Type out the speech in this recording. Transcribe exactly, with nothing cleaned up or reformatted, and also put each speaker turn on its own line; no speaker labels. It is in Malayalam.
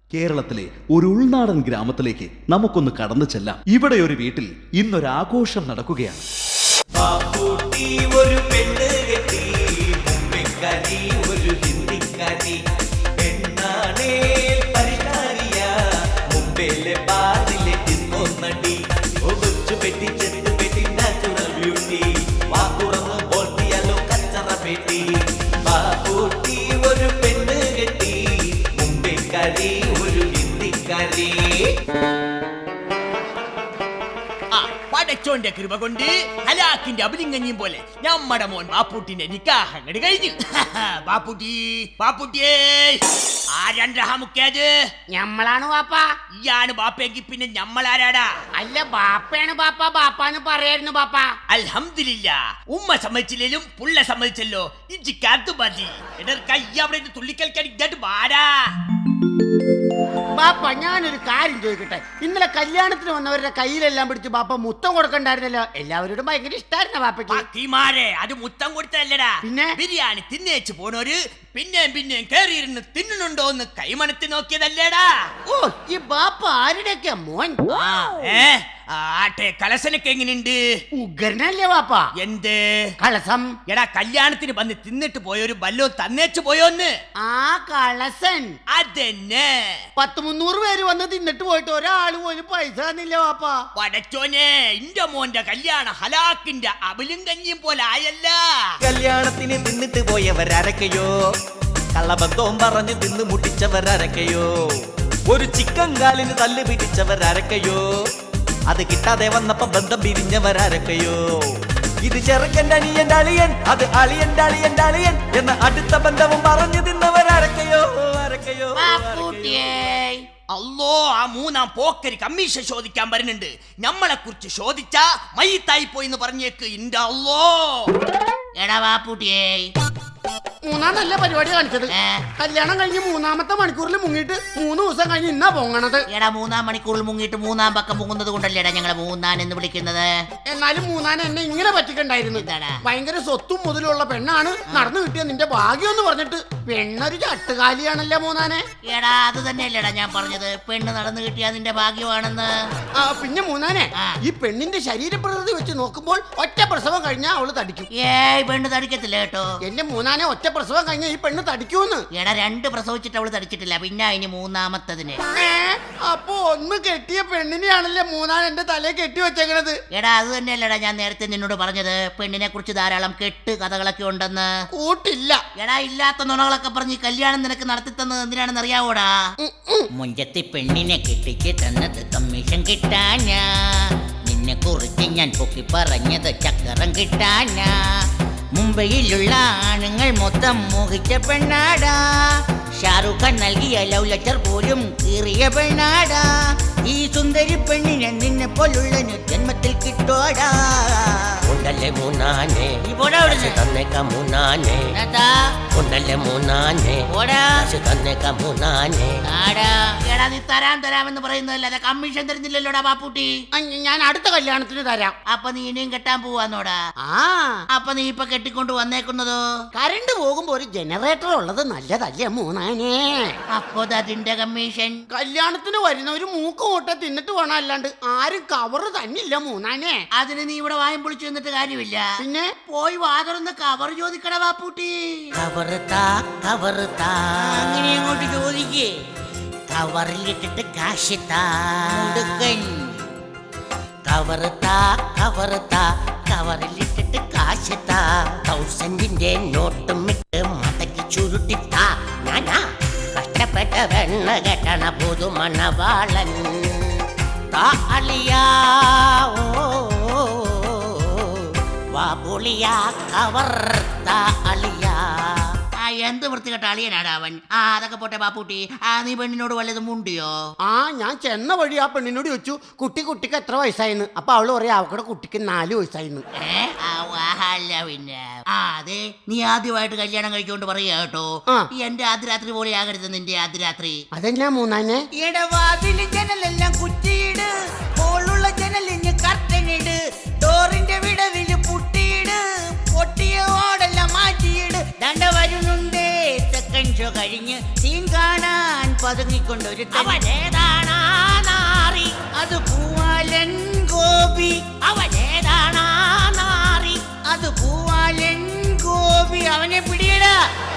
കേരളത്തിലെ ഒരു ഉൾനാടൻ ഗ്രാമത്തിലേക്ക് നമുക്കൊന്ന് കടന്നു ചെല്ലാം. ഇവിടെ ഒരു വീട്ടിൽ ഇന്നൊരാഘോഷം നടക്കുകയാണ്.
ഒരു പെണ്ണ് കെട്ടി മുമ്പെക്കാരി ഒരു ഹിന്ദിക്കാരി പെണ്ണാണേ പരിഹാരിയ മുമ്പേലെ ബാറിലെ തിന്നൊന്നടി ഒച്ചു പെട്ടി ചെത്ത് പെട്ടി നാച്ചുറൽ ബ്യൂട്ടി വാക്കുറന്ന് പോട്ടിയാലോ കച്ചറ പെട്ടി ബാപ്പൂട്ടി ഒരു പെണ്ണ് കെട്ടി മുമ്പെക്കാരി ഒരു ഹിന്ദിക്കാരി.
പടച്ചോന്റെ കൃപ കൊണ്ട് ഹലാക്കിന്റെ അഭിലിംഗഞ്ഞിയും പോലെ നമ്മടെ മോൻ ബാപ്പൂട്ടിന്റെ നിക്കാഹ് അങ്ങട് കഴിഞ്ഞു. ബാപ്പൂട്ടി ബാപ്പൂട്ടിയേ ആരണ്ടത്
ഞമ്മളാണ് ബാപ്പ.
ഇയാണ് ബാപ്പയെങ്കിൽ പിന്നെ ഞമ്മളാരാടാ?
അല്ല ബാപ്പയാണ് ബാപ്പ, ബാപ്പാന്ന് പറയായിരുന്നു ബാപ്പ.
അൽഹംദുലില്ലാ, ഉമ്മ സമ്മതിച്ചില്ലേലും പുള്ള സമ്മതിച്ചല്ലോ. ഇജിക്കാത്തു മതി. എടർ കൈ അവിടെ തുള്ളിക്കൽക്കാൻ ഇങ്ങോട്ട് വാടാ.
ബാപ്പ ഞാനൊരു കാര്യം ചോദിക്കട്ടെ, ഇന്നലെ കല്യാണത്തിന് വന്നവരുടെ കയ്യിലെല്ലാം പിടിച്ച് ബാപ്പ മുത്തം കൊടുക്കണ്ടായിരുന്നല്ലോ? എല്ലാവരോടും ഭയങ്കര ഇഷ്ടമായിരുന്ന ബാപ്പയ്ക്ക്.
അത് മുത്തം കൊടുത്തല്ലടാ, പിന്നെ ബിരിയാണി തിന്നേച്ച് പോണോര് പിന്നെയും പിന്നെയും കേറിയിരുന്ന് തിന്നുന്നുണ്ടോ എന്ന് കൈമണത്തി നോക്കിയതല്ലേടാ?
ഓ, ഈ ബാപ്പ ആരുടെയൊക്കെ മോൻ?
ആട്ടെ, കലസനൊക്കെ എങ്ങനെയുണ്ട്?
ഉഗ്രനല്ലേ ബാപ്പ?
എന്ത്
കളസം?
എടാ, കല്യാണത്തിന് വന്ന് തിന്നിട്ട് പോയൊരു ബല്ലോ തന്നേച്ചു പോയോന്ന്.
ആ കളസൻ
അതെന്നെ.
പത്ത് മുന്നൂറ് പേര് വന്ന് തിന്നിട്ട് പോയിട്ട് ഒരാള് പോലും പൈസ തന്നില്ല ബാപ്പ.
പടച്ചോനെ, ഇന്റെ മോന്റെ കല്യാണ ഹലാക്കിന്റെ അബിലും കഞ്ഞിയും പോലെ ആയല്ല.
കല്യാണത്തിന് തിന്നിട്ട് പോയവരരക്കയോ, കള്ളബന്ധവും പറഞ്ഞ് തിന്ന് മുട്ടിച്ചവരരക്കയോ, ഒരു ചിക്കൻ കാലിന് തല്ല് പിടിച്ചവരരക്കയോ, അത് കിട്ടാതെ വന്നപ്പോ ബന്ധം പിരിഞ്ഞവരരക്കയോ, ഇത് ചെറുക്കൻ്റെ അനിയൻ്റെ അളിയൻ, അത് അളിയൻ്റെ അളിയൻ്റെ അളിയൻ എന്ന അടുത്ത ബന്ധവും പറഞ്ഞു തിന്നവരരക്കയോ അരക്കയോ.
അല്ലോ, ആ മൂന്നാം പോക്കരി കമ്മീഷൻ ചോദിക്കാൻ വരുന്നുണ്ട്. ഞമ്മളെ കുറിച്ച് ചോദിച്ചാ മയ്യത്തായി പോയിന്ന് പറഞ്ഞേക്ക്. ഇന്റെ അല്ലോ.
എടാ ബാപ്പൂട്ടിയേ, മൂന്നാം നല്ല പരിപാടി കാണിച്ചത്. കല്യാണം കഴിഞ്ഞ് മൂന്നാമത്തെ മണിക്കൂറിൽ മുങ്ങിയിട്ട് മൂന്ന് ദിവസം കഴിഞ്ഞ് ഇന്നാ പൊങ്ങണത്.
എടാ, മൂന്നാം മണിക്കൂറിൽ മുങ്ങിയിട്ട് മൂന്നാം പക്കം പൊങ്ങുന്നത് കൊണ്ടല്ലേടാ ഞങ്ങളെ മൂന്നാൻ എന്ന് വിളിക്കുന്നത്.
എന്നാലും മൂന്നാൻ എന്നെ ഇങ്ങനെ പറ്റിക്കണ്ടായിരുന്നു. ഭയങ്കര സ്വത്തും മുതലുള്ള പെണ്ണാണ്, നടന്നു കിട്ടിയ നിന്റെ ഭാഗ്യം എന്ന് പറഞ്ഞിട്ട് പെണ്ണൊരു ചട്ടുകാലിയാണല്ലേ മൂന്നാനെ.
എടാ, അത് തന്നെയല്ലേടാ ഞാൻ പറഞ്ഞത്, പെണ്ണ് നടന്നു കിട്ടിയ അതിന്റെ ഭാഗ്യമാണെന്ന്.
ആ പിന്നെ മൂന്നാനെ, ഈ പെണ്ണിന്റെ ശരീരപ്രകൃതി വെച്ച് നോക്കുമ്പോൾ ഒറ്റ പ്രസവം കഴിഞ്ഞാൽ അവള് തടിക്കും.
ഏയ്, പെണ്ണ് തടിക്കത്തില്ല കേട്ടോ.
എന്റെ മൂന്നാനെ ഒറ്റ പ്രസവം കഴിഞ്ഞ ഈ പെണ്ണ് തടിക്കൂന്ന്.
എടാ, രണ്ട് പ്രസവിച്ചിട്ട് അവള് തടിച്ചിട്ടില്ല, പിന്നെ ഇനി മൂന്നാമത്തതിന്.
അപ്പൊ ഒന്ന് കെട്ടിയ പെണ്ണിനെയാണല്ലേ മൂന്നാൻ എന്റെ തലയെ കെട്ടി വെച്ചേക്കണത്.
എടാ, അത് തന്നെയല്ലടാ ഞാൻ നേരത്തെ നിന്നോട് പറഞ്ഞത്, പെണ്ണിനെ കുറിച്ച് ധാരാളം കെട്ട് കഥകളൊക്കെ ഉണ്ടെന്ന്.
കൂട്ടില്ല.
എടാ, ഇല്ലാത്ത നുണകളൊക്കെ പറഞ്ഞ് കല്യാണം നിനക്ക് നടത്തി തന്നത് എന്തിനാണെന്ന് അറിയാവോടാ? മുഞ്ചത്തി പെണ്ണിനെ കെട്ടിച്ച് തന്നത് കമ്മീഷൻ കിട്ടാനാ, നിന്നെ കുറിച്ച് ഞാൻ പൊക്കി പറഞ്ഞത് ചക്കരം കിട്ടാനാ. മുംബൈയിലുള്ള ആണുങ്ങൾ മൊത്തം മോഹിച്ച പെണ്ണാടാ, ഷാറുഖ് ഖാൻ നൽകിയ ലവ് ലെറ്റർ പോലും കീറിയ പെണ്ണാടാ. ഈ സുന്ദരി പെണ്ണിനെ നിന്നെ പോലുള്ള ജന്മത്തിൽ കിട്ടോടാ.
ഉണ്ടല്ലേ മൂന്നാനെ തന്നേക്ക മൂന്നാനെ, ഉണ്ടല്ലേ മൂന്നാനെ തന്നേക്ക മൂന്നാനെ.
എടാ, നീ തരാൻ തരാമെന്ന് പറയുന്നതല്ലാതെ കമ്മീഷൻ തരുന്നില്ലല്ലോടാ ബാപ്പൂട്ടി.
ഞാൻ അടുത്ത കല്യാണത്തിന് തരാം.
അപ്പൊ നീ ഇനിയും കെട്ടാൻ പോവാന്നോടാ?
ആ,
അപ്പൊ നീ ഇപ്പൊ കെട്ടിക്കൊണ്ട് വന്നേക്കുന്നതോ?
കറണ്ട് പോകുമ്പോ ഒരു ജനറേറ്റർ ഉള്ളത് നല്ലതല്ലേ മൂന്നാനെ?
അപ്പൊ അതിന്റെ കമ്മീഷൻ?
കല്യാണത്തിന് വരുന്നവര് മൂക്ക് കൂട്ട തിന്നിട്ട് വേണം, അല്ലാണ്ട് ആരും കവറ് തന്നില്ല മൂന്നാനെ.
അതിന് നീ ഇവിടെ വായും പൊളിച്ചു നിന്നിട്ട് കാര്യമില്ല.
പിന്നെ
പോയി വാതുറന്ന് കവർ ചോദിക്കട ബാപ്പൂട്ടി.
കവറ് താ കവറ് താ,
അങ്ങനെ അങ്ങോട്ട് ചോദിക്കേ.
കവറിലിട്ടിട്ട് കാശ് താ കവറ് താ കവറ് താ, കവറിലിട്ടിട്ട് കാശ് താ. തൗസൻഡിന്റെ നോട്ടും ഇട്ട് മടക്കി ചുരുട്ടിത്താ. ഞാനാ കഷ്ടപ്പെട്ട വെണ്ണ കെട്ടണ പുതുമണവാളൻ. താ അളിയാ ഓ വാ പൊളിയാ കവർ താ അളിയാ.
എന്ത് വൃത്തികെട്ട അളിയനാടാ അവൻ. ആ അതൊക്കെ പോട്ടെ ബാപ്പൂട്ടി, ആ നീ പെണ്ണിനോട് വല്ലതും മുണ്ടിയോ?
ആ, ഞാൻ ചെന്ന വഴി ആ പെണ്ണിനോട് ചോദിച്ചു കുട്ടി കുട്ടിക്ക് എത്ര വയസ്സായിന്ന്. അപ്പൊ അവള് പറയാ അവക്കടെ കുട്ടിക്ക് നാല് വയസ്സായിന്ന്.
അല്ല പിന്നെ, ആ അതെ, നീ ആദ്യമായിട്ട് കല്യാണം കഴിക്കൊണ്ട് പറയാ കേട്ടോ. എന്റെ ആദ്യരാത്രി പോലെ ആകരുത് നിന്റെ ആദ്യരാത്രി.
അതെന്നാ മൂന്നാനെ?
ഇടവാതിൽ ജനലെല്ലാം കുറ്റിയിട്, ഹോളുള്ള ജനലിന് കർട്ടനിട്, ഡോറിന്റെ വിടവില് പുട്ടിയിട്, പൊട്ടിയ ഓടെല്ലാം മാറ്റിയിട്. ദണ്ട വരുന്നുണ്ടേ സെക്കൻഡ് ഷോ കഴിഞ്ഞ് സീൻ കാണാൻ പതുങ്ങിക്കൊണ്ടൊരു അവനേതാണാ നാറി അത് പൂവാലൻ ഗോപി അവനേതാണാ നാറി അത് പൂവാലൻ ഗോപി അവനെ പിടിയടാ